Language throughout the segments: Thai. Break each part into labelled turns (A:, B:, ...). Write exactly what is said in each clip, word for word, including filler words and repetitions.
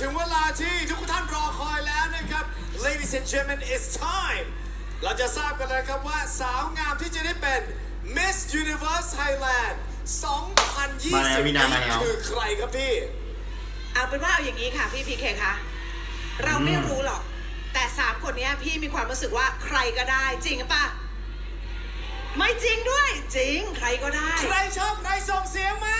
A: ถึงเวลาที่ทุกท่านรอคอยแล้วนะครับ Ladies and gentlemen it's time เราจะทราบกันเลยครับว่าสาวงามที่จะได้เป็น Miss Universe Thailand สองพันยี่สิบ นี้คือใครครับพี่
B: เอาเป็นว่าเอาอย่างนี้ค่ะพี่พีเคคะเราไม่รู้หรอกแต่สามคนนี้พี่มีความรู้สึกว่าใครก็ได้จริงหรือเปล่าไม่จริงด้วยจริงใครก็ได้
A: ใครชอบใครส่งเสียงมา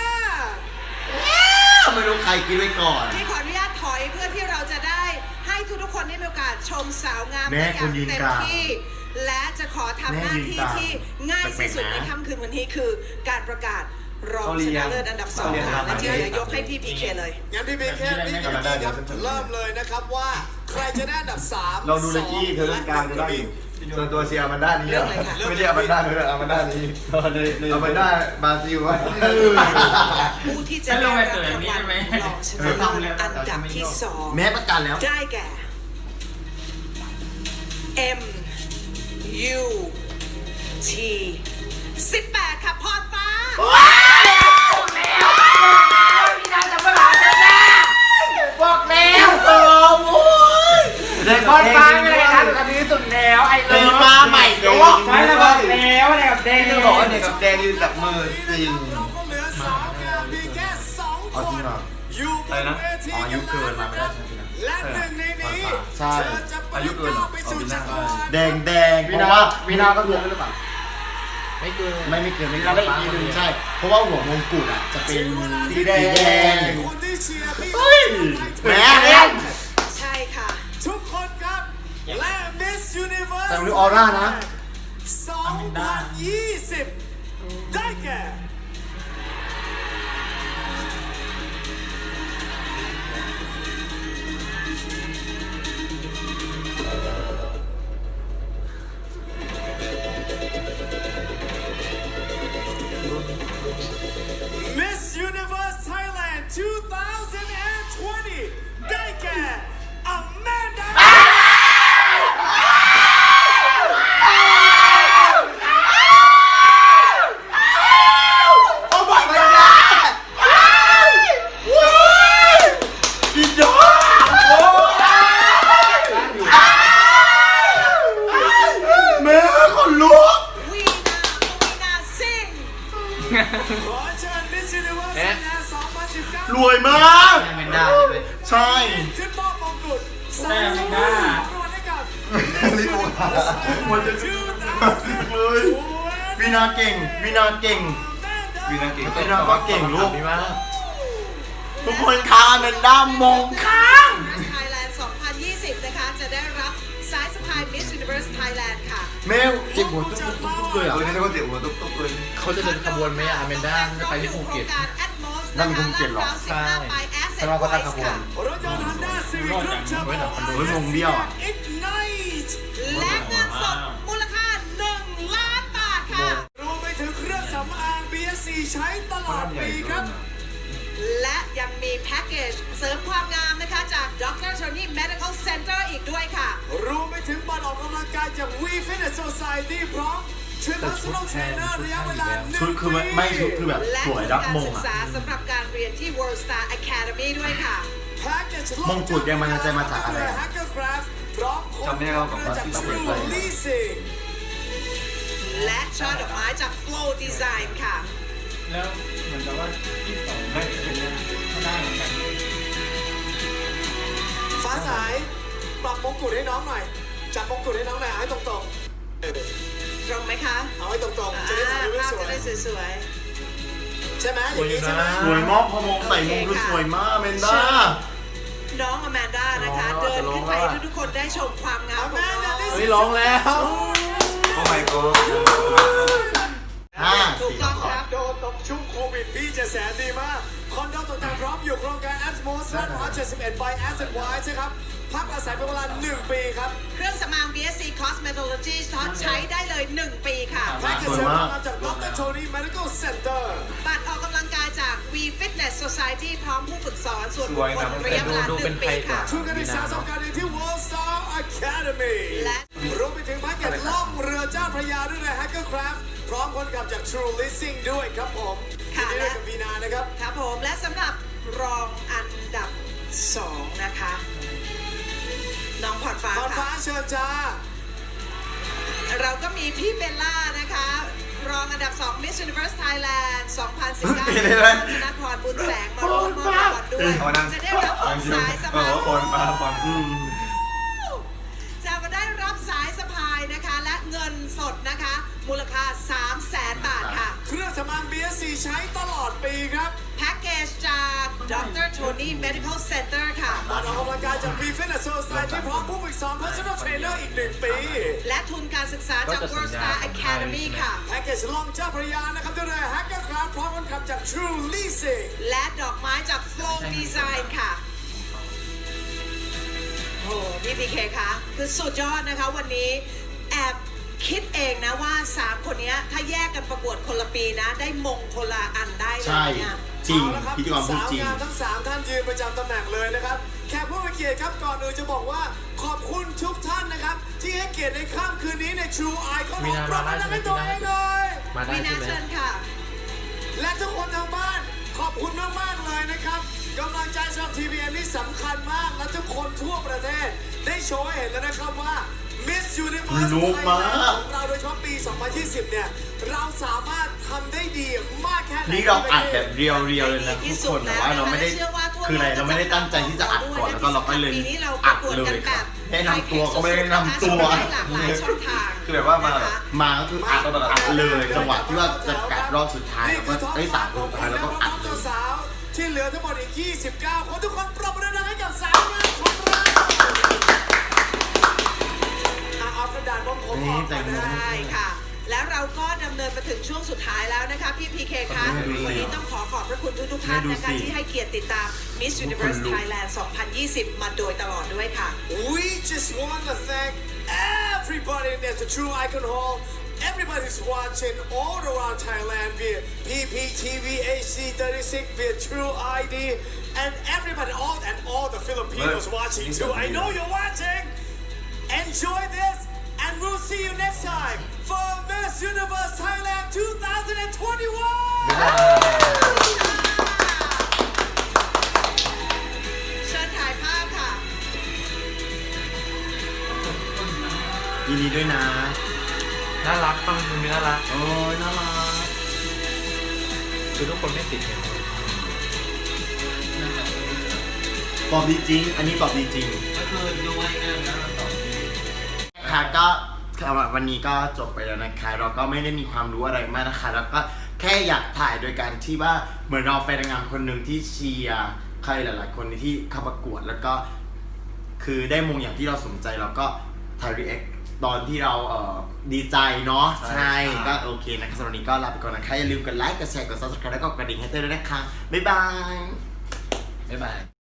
C: ไม่รู้ใครกินไว้ก่อน
B: พี่ขออนุญาตถอยเพื่อที่เราจะได้ให้ทุกๆคนได้มีโอกาสชมสาวงามได้อย่างเต็มที่และจะขอทำหน้าที่ที่ง่ายที่สุดในค่ำคืนวันนี้คือการประกาศรองชนะเลิศอันดับสองค่ะและที่เหลือยกให้พี่พีเคเลย
A: งั้นพี่พีเคพี่พีเคครับเริ่มเลยนะครับว่าใครจะได้อันดับสาม
C: เราดูเลกี้เธอเล่นกลางจะได้ส่วนตัวเชียร์มันด้านนี้ไม่ใช่เอามันด้านนี้เอามันด้านนี้เอามันด้านบราซิลวะ
B: ผู้ที่จะได้รับรางวัลรองชนะเลิศอันดับที่สอง
C: แม้ประกันแล้ว
B: ได้แก่ M U T สิบแปดค่ะพรฟ้า
C: บอกแล้วสองโอ้ย
D: เด็กคนฟ้าไม่เลยนะแต่ดีสุดแล้วไอ้เลิฟ
C: มาใหม่ด้วย
D: ใช่แล้วบอกแล้วเด็กกับแดง
C: ที่บอกว่าเด็กกับแดงยืนจับมือจริง
A: เอาจริงเหรอ
C: อะไรนะอ๋ออายุเกินมาไม่ได้ใช่ไหม
A: และหนึ่งในนี้
C: ใช่
A: อายุเกินเหรอ
C: แดงแดง
D: วินาวินาก็เกินหรือเปล่าไม่เกิน
C: ไม่ไม่เกินไม่ได้อีกทีนึงใช่เพราะว่าหัวมงกุฎอ่ะจะเป็นสีแดง
A: เฮ้ย
C: แหม
B: ใช่ค่ะ
A: ทุกคนครับและ Miss Universe
C: แต่ดูออร่านะ
A: สองพันยี่สิบได้แก่ Miss Universe Thailand สองพันยี่สิบได้แก่ Amanda
C: รวยมาก
D: แม่นด้าเลย
C: ใช่
A: ขึ้นมอบมงกุฎ
D: แม่นด้า
C: ลิโอมันจะเลยวีนาเก่งวีนาเก่งวีนาเก่งวีนาก็เก่งลูกทุกคนค้าแมนด้ามงค้าง
B: Thailand สองพันยี่สิบนะคะจะได้รับสายสะพาย Miss Universe Thailand ค่ะ
C: แมวเจ็บหัวตุ๊บตุ๊บตุ๊บเลยอ่ะเลยเขาเจ็บหัวตุ๊บตุ๊บเลย
D: เขาจะเดินขบวนไหมอ่ะแมนด้าจะไปที่ภูเก็ต
C: นั่นเป็นภูเก็ตหรอ
D: ใช่แต่เราก็ตั้งขบวน
A: รถยนต์ Honda Civic เครื่องเทอร์โบ
C: เฮ้ยงงเบี้ยวอ่ะ
A: Ignite
B: และเงินสดมูลค่าหนึ่งล้านบาทค่ะ
A: รวมไปถึงเครื่องสำอาง บี เอส ซี ใช้ตลอดปีครับ
B: และยังมีแพ็กเกจเสริมความงามนะคะจาก ด็อกเตอร์ Tony Medical Center อีกด้วยค่ะ
A: รวมไปถึงบัตรออกกำลังกายจาก We Fitness Society พร้อมชุด Personal Trainer ระยะเวลาหนึ่งปี
C: ชุดคือไม่ชุดคือแบบสวยรักมงอ่ะ
B: และการศึกษาสำหรับการเรียนที่ World Star Academy ด้วยค่ะ
C: มงกุฎยังมันจะมาจากอะไร
A: จำไม่ได้เราบอกว่าที่เราเปิดไป
B: และช่อดอกไม้จาก Flow Design ค่ะ
D: แล้วเหมือนกับว่าที่สองได้เป็นเขาได้เหมือนกัน
A: ฟ้าสายปรับมงกุฎให้น้องหน่อยจับมงกุฎให้น้องหน่อยให้ตรงๆต
B: รงไหมคะ
A: เอาให้ตรงๆจะได้ถ่ายรูปสวย
B: จะได้สวย
A: ๆใช่ไหมอย่างนี้ใช่ไหม
C: สวยมากพอมงใส่มงคือสวยมากเมนด้า
B: น้องอแมนด้านะคะเดินขึ้นไปให้ทุกคนได้ชมความงามของน้อง
D: เฮ้ยร้องแล้ว
C: โอ้ my god ห้า
B: ถูกต้องครับ
A: โดนตบชุบโควิดพี่จะแสนดีมากคอนโดตกแต่งพร้อมอยู่โครงการ Atmos หนึ่งร้อยเจ็ดสิบเอ็ด by Asset Wise ใช่ครับพักอาศัยเป็นเวลาหนึ่งปีครับ
B: เครื่องสำอาง บี เอส ซี Cosmetology ใช้ได้เลยหนึ่งปีค่ะ
A: แพ็กเกจเสริมความงามจาก ด็อกเตอร์ Tony Medical Center
B: บัตรออกกำลังกายจาก We Fitness Society พร้อมผู้ฝึกสอนส่วนบุคคลระยะเวลาหนึ่งปีค่ะ
A: ทุนการศึกษาสองการเรียนที่ World Star Academy
B: และ
A: รวมไปถึงแพ็กเกจล่องเรือเจ้าพระยาด้วยนะ Hackercraft พร้อมคนขับจาก True Leasing ด้วยครับผม
B: ค่ะ
A: และกับวีนานะครับ
B: ครับผมและสำหรับรองอันดับสองนะคะ น้องพรฟ้า
A: พรฟ้า
B: ค่ะ
A: เชิญจ้า
B: เราก็มีพี่เบลล่านะคะ รองอันดับ สอง Miss Universe Thailand สองพันสิบเก้า
C: เป็นอะไร
B: ธนพรบุญแสงมาร่วมมอบรางวัลด้วย จะได้รับสายสะพาย
D: คนมาคน
C: อืม
B: จะมาได้รับสายสะพายนะคะ และเงินสดนะคะ มูลค่า สามแสน บาทค่ะ
A: เครื่องสำอาง บี เอส ซี ใช้ตลอดปีครับ
B: แพ็กเกจจากดรโทนี่ Medical Center ค่ะ
A: บัตรออกกำลังกายจาก Pre-Fitness Society พร้อมผู้ฝึกสอน Personal Trainer อีกหนึ่งปี
B: และทุนการศึกษาจาก World Star Academy ค่ะ
A: แพ็กเกจล่องเจ้าพระยานะครับด้วยเรือ Hacker Craft พร้อมคนขับจาก True Leasing
B: และดอกไม้จาก Flow Design ค่ะ โอ้พี่พีเคคะคือสุดยอดนะคะวันนี้แอบคิดเองนะว่า สาม คนเนี้ยถ้าแยกกันประกวดคนละปีนะ ได้มงคนละอันได้เล
C: ใช่
B: ยเนี่ย
C: จริง
A: เอาละครับ
C: พิธีกรพูด
A: สาว
C: จริง
A: งามทั้งสามท่านยืนประจำตำแหน่งเลยนะครับ แขกผู้มีเกียรติครับก่อนอื่นจะบอกว่าขอบคุณทุกท่านนะครับ ที่ให้เกียรติในค่ำคืนนี้ใน True Icon
D: มี
A: ของ
D: นา
A: เรา
D: มาได้
A: ทำให้
D: ใช่ไหม
A: ตัวเองเลย
D: มาได้
B: วีนา
D: ใช่ไหม
B: เชิญค่ะ
A: และทุกคนทางบ้านขอบคุณมากๆเลยนะครับกำลังใจสำหรับ ที วี เอ็น นี่สำคัญมากและทุกคนทั่วประเทศ ได้โชว์ให้เห็นแล้วนะครับว่า Miss Universe
C: รู้มาก
A: Thailand ของเราโดยเฉพาะปี สองพันยี่สิบ เนี่ย เราสามารถทำได้ดีมากแค่ไหน
C: นี่เราอัดแบบเรียวๆเลยนะทุกคนแต่ว่าเราไม่ได้
B: เชื่อว่าทั่ว
C: คืออะไรเราไม่ได้ตั้งใจที่จะอัดก่อนแล้วก็เราก็เลย
B: ปีนี้เราป
C: อั
B: ระ
C: ด
B: กวด
C: เล
B: กัน
C: ย
B: แบ
C: ครับ
B: บ
C: แนะนำตัวก็ไม่ได้แนะนำตัว
B: ได้หลากหลายช่องทาง
D: คือแบบว่ามา
B: นะคะ
C: มาก็คืออัดอัดเลยจังหวะที่ว่าจะประกาศรอบสุดท้ายแล้วก็ได้สามคนสุดท้ายแล้วก็อัดเลย
A: สาวๆที่เหลือทั้งหมดอีก ยี่สิบเก้า คนทุกคนปรบมือดังๆให้กับสาวงามของเราอ่ะเอากระดาษผมผมออกก่อนนะ
B: ใช่ค่ะ แล้วเราก็ดำเนินมาถึงช่วงสุดท้ายแล้วนะคะ พี่พีเคคะ
C: แม่ดูสิ
B: วันนี้ต้องขอขอบพระคุณทุกๆท่าน
C: แม่ดู
B: นะคะ
C: สิ
B: ที่ให้เกียรติติดตาม Miss Universe
C: ลุก
B: Thailand สองพันยี่สิบ มาโดยตลอดด้วยค่ะ
A: We just want to thank everybody at the True Icon Hall, everybody who's watching all around Thailand via P P T V H D thirty-six, via True I D, and everybody, all and all the Filipinos watching too. I know you're watching. Enjoy this, and we'll see you next time for Miss Universe Thailand twenty twenty-one.
B: เชิญถ่ายภาพค่ะ
C: ยินดีด้วยนะ
D: น่ารักต้องมันมีน่ารัก
C: โอ้ยน่ารัก
D: คือทุกคนไม่ติดเนี่ย
C: ตอบดีจริง อันนี้ตอบดีจริง
D: ก็คือดูง่ายๆแล้วเราตอบ
C: ค่ะก็สำหรับวันนี้ก็จบไปแล้วนะคะ เราก็ไม่ได้มีความรู้อะไรมากนะคะ แล้วก็แค่อยากถ่ายโดยการที่ว่าเหมือนเราแฟนนางงามคนหนึ่งที่เชียร์ใครหลาย ๆ คนที่เข้าประกวดแล้วก็ คือได้มงอย่างที่เราสนใจเราก็ถ่ายรีแอคตอนที่เราเอ่อดีใจเนาะใช่ก็โอเคนะคะสำหรับวันนี้ก็ลาไปก่อนนะคะอย่าลืมกดไลค์กดแชร์กด ซับสไครบ์ แล้วก็กระดิ่งให้เต้ยด้วยนะคะบ๊ายบาย
D: บ๊ายบาย